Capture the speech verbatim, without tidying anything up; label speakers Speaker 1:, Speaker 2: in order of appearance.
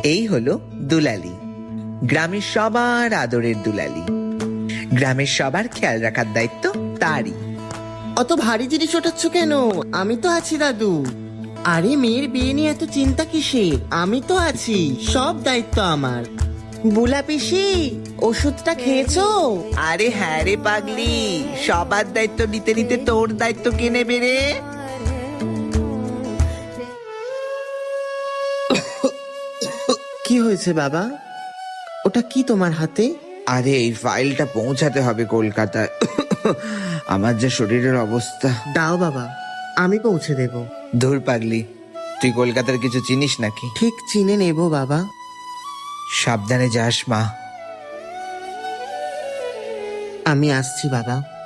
Speaker 1: এই হলো দুলালি, গ্রামের সবার আদরের দুলালি। গ্রামের সবার খেয়াল রাখার দায়িত্ব তারই।
Speaker 2: অত ভারী জিনিস ওঠাচ্ছ কেন? আমি তো আছি দাদু। আরে মেয়ের বিয়ে নিয়ে এত চিন্তা কিসের? আমি তো আছি, সব দায়িত্ব আমার। বুলা পিসি, ওষুধটা খেয়েছো?
Speaker 1: আরে হ্যাঁ রে পাগলি, সবার দায়িত্ব নিতে নিতে তোর দায়িত্ব কে নেবে রে?
Speaker 2: কি হয়েছে বাবা? ওটা কি তোমার হাতে?
Speaker 1: আরে এই ফাইলটা পৌঁছাতে হবে কলকাতায়। আমার যে শরীরের অবস্থা।
Speaker 2: দাও বাবা, আমি পৌঁছে দেব।
Speaker 1: ধুর পাগলি, তুই কলকাতার কিছু চিনিস নাকি?
Speaker 2: ঠিক চিনে নেব বাবা।
Speaker 1: সাবধানে যাস মা।
Speaker 2: আমি আসছি বাবা।